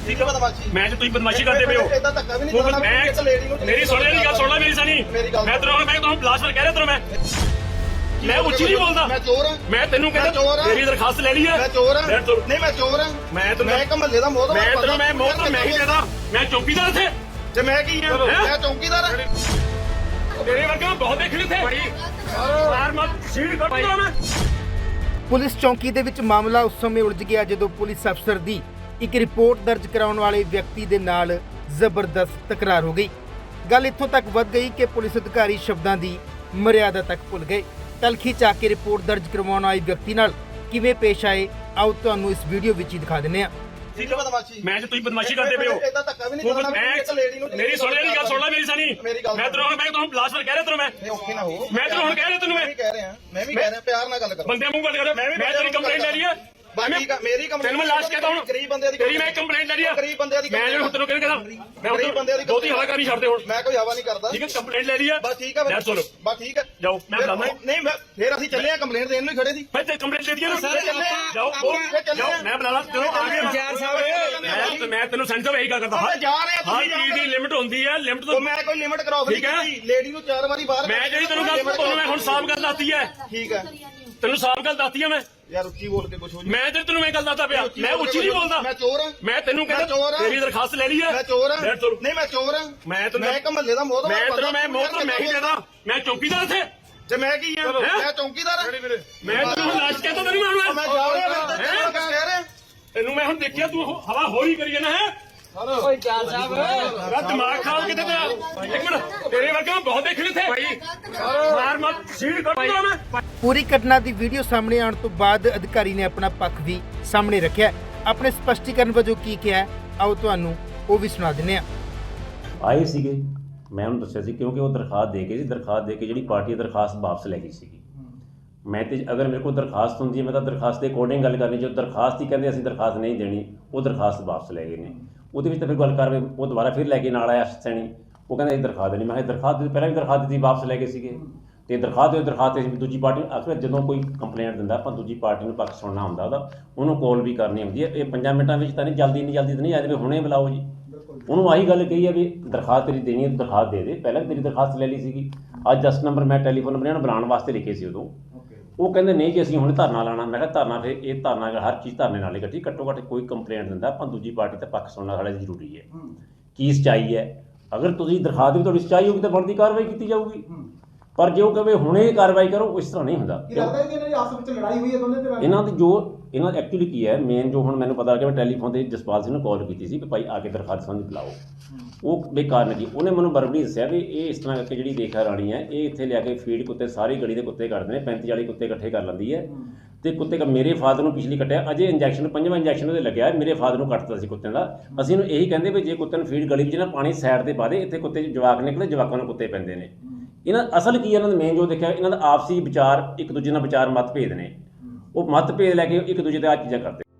ਠੀਕ ਹੈ ਮੈਂ ਤੇ ਤੁਸੀਂ ਬਦਮਾਸ਼ੀ ਕਰਦੇ ਪਏ ਹੋ ਮੇਰੀ ਸੁਣ ਲੈ ਗੱਲ ਸੁਣ ਲੈ ਮੇਰੀ ਸਾਨੀ ਮੈਂ ਤੁਹਾਨੂੰ ਬਲਾਸਟਰ ਕਹਿ ਰਿਹਾ ਤੈਨੂੰ ਮੈਂ ਉੱਚੀ ਨਹੀਂ ਬੋਲਦਾ ਮੈਂ ਚੋਰ ਹਾਂ ਮੈਂ ਤੈਨੂੰ ਕਹਿੰਦਾ ਮੇਰੀ ਦਰਖਾਸਤ ਲੈ ਲਈ ਹੈ ਮੈਂ ਚੋਰ ਹਾਂ ਨਹੀਂ ਮੈਂ ਚੋਰ ਹਾਂ ਮੈਂ ਇੱਕ ਮਹੱਲੇ ਦਾ ਮੋਹਤਬਰ ਮੈਂ ਤੈਨੂੰ ਮੈਂ ਮੋਹਤਬਰ ਮੈਂ ਹੀ ਦੇਦਾ ਮੈਂ ਚੌਕੀਦਾਰ ਇੱਥੇ ਤੇ ਮੈਂ ਕੀ ਹਾਂ ਮੈਂ ਚੌਕੀਦਾਰ ਹਾਂ ਤੇਰੇ ਵਰਗਾ ਬਹੁਤ ਦੇਖ ਲਿੱਥੇ ਯਾਰ ਮੈਂ ਸੀਟ ਕੱਟਦਾ ਮੈਂ ਪੁਲਿਸ ਚੌਂਕੀ ਦੇ ਵਿੱਚ ਮਾਮਲਾ ਉਸ ਸਮੇਂ ਉਲਝ ਗਿਆ ਜਦੋਂ ਪੁਲਿਸ ਅਫਸਰ ਦੀ ਇੱਕ ਰਿਪੋਰਟ ਦਰਜ ਕਰਾਉਣ ਵਾਲੇ ਵਿਅਕਤੀ ਦੇ ਨਾਲ ਜ਼ਬਰਦਸਤ ਤਕਰਾਰ ਹੋ ਗਈ। ਗੱਲ ਇੱਥੋਂ ਤੱਕ ਵੱਧ ਗਈ ਕਿ ਪੁਲਿਸ ਅਧਿਕਾਰੀ ਸ਼ਬਦਾਂ ਦੀ ਮਰਿਆਦਾ ਤੱਕ ਭੁੱਲ ਗਏ। ਤਲਖੀ ਚਾ ਕੇ ਰਿਪੋਰਟ ਦਰਜ ਕਰਵਾਉਣ ਆਏ ਵਿਅਕਤੀ ਨਾਲ ਕਿਵੇਂ ਪੇਸ਼ ਆਏ ਆਓ ਤੁਹਾਨੂੰ ਇਸ ਵੀਡੀਓ ਵਿੱਚ ਹੀ ਦਿਖਾ ਦਿੰਦੇ ਹਾਂ। ਮੈਂ ਤੇ ਤੁਸੀਂ ਬਦਮਾਸ਼ੀ ਕਰਦੇ ਪਏ ਹੋ ਮੇਰੀ ਸੁਣ ਲੈ ਗੱਲ ਸੁਣ ਲੈ ਮੇਰੀ ਸਾਨੀ ਮੈਂ ਤੁਹਾਨੂੰ ਬਲਾਸਟਰ ਕਹਿ ਰਿਹਾ ਤੈਨੂੰ ਮੈਂ ਤੈਨੂੰ ਹੁਣ ਕਹਿ ਰਿਹਾ ਤੈਨੂੰ ਮੈਂ ਵੀ ਕਹਿ ਰਿਹਾ ਪਿਆਰ ਨਾਲ ਗੱਲ ਕਰੋ ਬੰਦੇ ਮੂੰਹ ਗੱਲ ਕਰ ਮੈਂ ਤੇਰੀ ਕੰਪਲੇਂਟ ਲੈ ਲਈ ਹੈ ਮੇਰੀ ਕੰਪਲੇਂਟ ਤੈਨੂੰ ਮੈਂ ਲਾਸਟ ਕਹਿਤਾ ਹੁਣ ਗਰੀਬ ਬੰਦੇ ਦੀ ਤੇਰੀ ਮੈਂ ਕੰਪਲੇਂਟ ਲੈ ਲਈ ਹੈ ਗਰੀਬ ਬੰਦੇ ਦੀ ਮੈਂ ਜਿਹੜਾ ਤੈਨੂੰ ਕਹਿੰਦਾ ਮੈਂ ਬਹੁਤੀ ਹਵਾ ਕਰਨੀ ਛੱਡ ਦੇ ਹੁਣ ਮੈਂ ਕੋਈ ਹਵਾ ਨਹੀਂ ਕਰਦਾ ਠੀਕ ਹੈ ਕੰਪਲੇਂਟ ਲੈ ਲਈ ਹੈ ਬਸ ਠੀਕ ਹੈ ਲੈ ਚਲੋ ਬਸ ਠੀਕ ਹੈ ਜਾਓ ਮੈਂ ਬੁਲਾਉਂਦਾ ਨਹੀਂ ਮੈਂ ਫੇਰ ਅਸੀਂ ਚੱਲੇ ਆ ਕੰਪਲੇਂਟ ਦੇਣ ਨੂੰ ਖੜੇ ਸੀ ਮੈਂ ਤੇ ਕੰਪਲੇਂਟ ਦੇ ਦਿਆ ਨਾ ਜਾਓ ਮੈਂ ਬੁਲਾ ਲਾ ਚਲੋ ਆ ਗਿਆ ਇੰਚਾਰਜ ਸਾਹਿਬ ਮੈਂ ਤੈਨੂੰ ਸੈਂਟਰ ਇਹੀ ਗੱਲ ਕਰਦਾ ਮੈਂ ਜਾ ਰਿਹਾ ਹਰ ਚੀਜ਼ ਦੀ ਲਿਮਟ ਹੁੰਦੀ ਹੈ ਲਿਮਟ ਤੋਂ ਮੈਂ ਕੋਈ ਲਿਮਟ ਕਰਾਉ ਠੀਕ ਹੈ ਲੇਡੀ ਨੂੰ 4 ਵਾਰੀ ਬਾਹਰ ਮੈਂ ਜਿਹੜੀ ਤੈਨੂੰ ਗੱਲ ਤੁਹਾਨੂੰ ਮੈਂ ਹੁਣ ਸਾਫ਼ ਗੱਲ ਦੱਸਤੀ ਹੈ ਠੀਕ ਹੈ ਤੈਨੂੰ ਸਾਫ਼ ਗੱਲ ਦੱਸਤੀ ਹੈ ਮੈਂ ਯਾਰ ਉੱਚੀ ਬੋਲ ਕੇ ਕੁਝ ਹੋ ਮੈਂ ਤੇ ਤੈਨੂੰ ਮੈਂ ਗੱਲ ਦੱਸਦਾ ਪਿਆ ਮੈਂ ਉੱਚੀ ਨਹੀਂ ਬੋਲਦਾ ਮੈਂ ਚੋਰ ਹਾਂ ਮੈਂ ਤੈਨੂੰ ਕਹਿੰਦਾ ਤੇਰੀ ਦਰਖਾਸਤ ਲੈ ਲਈ ਹੈ ਮੈਂ ਚੋਰ ਹਾਂ ਨਹੀਂ ਮੈਂ ਚੋਰ ਹਾਂ ਮੈਂ ਇੱਕ ਮਹੱਲੇ ਦਾ ਮੋਹਤਬਰ ਮੈਂ ਤੈਨੂੰ ਮੈਂ ਮੋਹਤਬਰ ਮੈਂ ਹੀ ਦੇਦਾ ਮੈਂ ਚੌਕੀਦਾਰ ਇੱਥੇ ਤੇ ਮੈਂ ਕੀ ਹਾਂ ਮੈਂ ਚੌਕੀਦਾਰ ਹਾਂ ਮੈਂ ਤੈਨੂੰ ਲਾਸ਼ ਕਹਿਤਾ ਤੈਨੂੰ ਮੈਂ ਜਾ ਰਿਹਾ ਕਹਿ ਰਿਹਾ ਤੈਨੂੰ ਮੈਂ ਹੁਣ ਦੇਖਿਆ ਤੂੰ ਹਵਾ ਹੋਰੀ ਕਰੀ ਜਾਣਾ ਹੈ ਓਏ ਚਾਲ ਸਾਹਿਬ ਮੇਰਾ ਦਿਮਾਗ ਖਰਾਬ ਕਿਤੇ ਤੇਰਾ ਇੱਕ ਮਿੰਟ ਤੇਰੇ ਵਰਗਾ ਬਹੁਤ ਦੇਖ ਲਿੱਥੇ ਮਾਰ ਮਤ ਸੀਟ ਕੱਟਦਾ ਮੈਂ ਪੂਰੀ ਘਟਨਾ ਦੀ ਵੀਡੀਓ ਸਾਹਮਣੇ ਆਉਣ ਤੋਂ ਬਾਅਦ ਅਧਿਕਾਰੀ ਨੇ ਆਪਣਾ ਪੱਖ ਵੀ ਸਾਹਮਣੇ ਰੱਖਿਆ। ਆਪਣੇ ਸਪਸ਼ਟੀਕਰਨ ਵਜੋਂ ਕੀ ਕਿਹਾ ਆਓ ਤੁਹਾਨੂੰ ਉਹ ਵੀ ਸੁਣਾ ਦਿੰਦੇ ਹਾਂ। ਆਏ ਸੀਗੇ ਮੈਂ ਉਹਨੂੰ ਦੱਸਿਆ ਸੀ ਕਿਉਂਕਿ ਉਹ ਦਰਖਾਸਤ ਦੇ ਕੇ ਜਿਹੜੀ ਪਾਰਟੀ ਦਰਖਾਸਤ ਵਾਪਸ ਲੈ ਗਈ ਸੀਗੀ। ਮੈਂ ਤੇ ਅਗਰ ਮੇਰੇ ਕੋਲ ਦਰਖਾਸਤ ਹੁੰਦੀ ਹੈ ਮੈਂ ਤਾਂ ਦਰਖਾਸਤ ਦੇ ਅਕੋਰਡਿੰਗ ਗੱਲ ਕਰਨੀ। ਜੋ ਦਰਖਾਸਤ ਹੀ ਕਹਿੰਦੇ ਅਸੀਂ ਦਰਖਾਸਤ ਨਹੀਂ ਦੇਣੀ ਉਹ ਦਰਖਾਸਤ ਵਾਪਸ ਲੈ ਗਏ ਨੇ। ਉਹਦੇ ਵਿੱਚ ਤਾਂ ਫਿਰ ਗੱਲ ਕਰ ਉਹ ਦੁਬਾਰਾ ਫਿਰ ਲੈ ਕੇ ਨਾਲ ਆਇਆ ਸੈਣੀ ਉਹ ਕਹਿੰਦਾ ਇਹ ਦਰਖਾਸਤ ਦੇਣੀ। ਮੈਂ ਕਿਹਾ ਦਰਖਾਸਤ ਪਹਿਲਾਂ ਵੀ ਦਰਖਾਸਤ ਦਿੱਤੀ ਵਾਪਸ ਲੈ ਗਏ ਸੀਗੇ ਤੇ ਦਰਖਾਸਤ ਅਸੀਂ ਦੂਜੀ ਪਾਰਟੀ ਨੂੰ ਅਕਸਰ ਜਦੋਂ ਕੋਈ ਕੰਪਲੇਂਟ ਦਿੰਦਾ ਆਪਾਂ ਦੂਜੀ ਪਾਰਟੀ ਨੂੰ ਪੱਖ ਸੁਣਨਾ ਹੁੰਦਾ ਉਹਨੂੰ ਕਾਲ ਵੀ ਕਰਨੀ ਹੁੰਦੀ ਹੈ। ਇਹ 5 ਮਿੰਟਾਂ ਵਿੱਚ ਤਾਂ ਨਹੀਂ ਜਲਦੀ ਤਾਂ ਨਹੀਂ ਆ ਜਾਵੇ ਹੁਣੇ ਬੁਲਾਓ ਜੀ। ਉਹਨੂੰ ਆਹੀ ਗੱਲ ਕਹੀ ਹੈ ਵੀ ਦਰਖਾਸਤ ਤੇਰੀ ਦੇਣੀ ਹੈ ਦਰਖਾਸਤ ਦੇ ਦੇ। ਪਹਿਲਾਂ ਵੀ ਤੇਰੀ ਦਰਖਾਸਤ ਲੈ ਲਈ ਸੀਗੀ। ਅੱਜ 10 ਨੰਬਰ ਮੈਂ ਟੈਲੀਫੋਨ ਨੰਬਰ ਇਹਨਾਂ ਨੂੰ ਬੁਲਾਉਣ ਵਾਸਤੇ ਲਿਖੇ ਸੀ ਉਦੋਂ। ਉਹ ਕਹਿੰਦੇ ਨਹੀਂ ਜੀ ਅਸੀਂ ਹੁਣ ਧਰਨਾ ਲਾਣਾ। ਮੈਂ ਕਿਹਾ ਧਰਨਾ ਫਿਰ ਇਹ ਧਰਨਾ ਹਰ ਚੀਜ਼ ਧਰਨੇ ਨਾਲ ਹੀ ਇਕੱਠੀ ਘੱਟੋ ਘੱਟ ਕੋਈ ਕੰਪਲੇਂਟ ਦਿੰਦਾ ਆਪਾਂ ਦੂਜੀ ਪਾਰਟੀ ਦਾ ਪੱਖ ਸੁਣਨਾ ਸਾਡਾ ਜ਼ਰੂਰੀ ਹੈ। ਕੀ ਸੱਚਾਈ ਹੈ ਅਗਰ ਤੁਸੀਂ ਦਰਖਾਸਤ ਵੀ ਤੁਹਾਡੀ ਸੱਚਾਈ ਹੋਊਗੀ ਤਾਂ ਬਣਦੀ ਕਾਰਵਾਈ ਕੀਤੀ ਜਾਊਗੀ। ਪਰ ਜੇ ਉਹ ਕਹੇ ਹੁਣੇ ਕਾਰਵਾਈ ਕਰੋ ਉਸ ਤਰ੍ਹਾਂ ਨਹੀਂ ਹੁੰਦਾ। ਇਹਨਾਂ ਦੀ ਜੋ ਇਹਨਾਂ ਐਕਚੁਅਲੀ ਕੀ ਹੈ ਮੇਨ ਜੋ ਹੁਣ ਮੈਨੂੰ ਪਤਾ ਲੱਗਿਆ ਮੈਂ ਟੈਲੀਫੋਨ ਤੇ ਜਸਪਾਲ ਸਿੰਘ ਨੂੰ ਕਾਲ ਕੀਤੀ ਸੀ ਕਿ ਭਾਈ ਆ ਕੇ ਦਰਖਾਸਤ ਸੰਬੰਧੀ ਬੁਲਾਓ। ਉਹ ਬੇਕਾਰ ਨਹੀਂ। ਉਹਨੇ ਮੈਨੂੰ ਬਰਬਰੀ ਦੱਸਿਆ ਵੀ ਇਹ ਇਸ ਤਰ੍ਹਾਂ ਕਰਕੇ ਜਿਹੜੀ ਰੇਖਾ ਰਾਣੀ ਹੈ ਇਹ ਇੱਥੇ ਲਿਆ ਕੇ ਫੀਡ ਕੁੱਤੇ ਸਾਰੀ ਗਲੀ ਦੇ ਕੁੱਤੇ ਕੱਢਦੇ ਨੇ 35-40 ਕੁੱਤੇ ਇਕੱਠੇ ਕਰ ਲੈਂਦੀ ਹੈ ਤੇ ਕੁੱਤੇ ਮੇਰੇ ਫਾਦਰ ਨੂੰ ਪਿਛਲੀ ਕੱਟਿਆ ਅਜੇ ਇੰਜੈਕਸ਼ਨ 5ਵਾਂ ਇੰਜੈਕਸ਼ਨ ਉਹਦੇ ਲੱਗਿਆ ਮੇਰੇ ਫਾਦਰ ਨੂੰ ਕੱਟਦਾ ਸੀ ਕੁੱਤਿਆਂ ਦਾ। ਅਸੀਂ ਇਹਨੂੰ ਇਹੀ ਕਹਿੰਦੇ ਵੀ ਜੇ ਕੁੱਤੇ ਨੂੰ ਫੀਡ ਗਲੀ ਵਿੱਚ ਨਾ ਪਾਣੀ ਸਾਈਡ ਤੇ ਪਾ ਦੇ ਇੱਥੇ ਕੁੱਤੇ ਜਵਾਕ ਨਿਕਲੇ ਜਵਾਕਾਂ ਨੂੰ ਕੁੱਤੇ ਪੈਂਦੇ ਨੇ। ਇਹਨਾਂ ਅਸਲ ਕੀ ਇਹਨਾਂ ਦਾ ਮੇਨ ਜੋ ਦੇਖਿਆ ਇਹਨਾਂ ਦਾ ਆਪਸੀ ਵਿਚਾਰ ਇੱਕ ਦੂਜੇ ਨਾਲ ਵਿਚਾਰ ਮਤਭੇਦ ਨੇ। ਉਹ ਮਤਭੇਦ ਲੈ ਕੇ ਇੱਕ ਦੂਜੇ ਤੇ ਆ ਚੀਜ਼ਾਂ ਕਰਦੇ।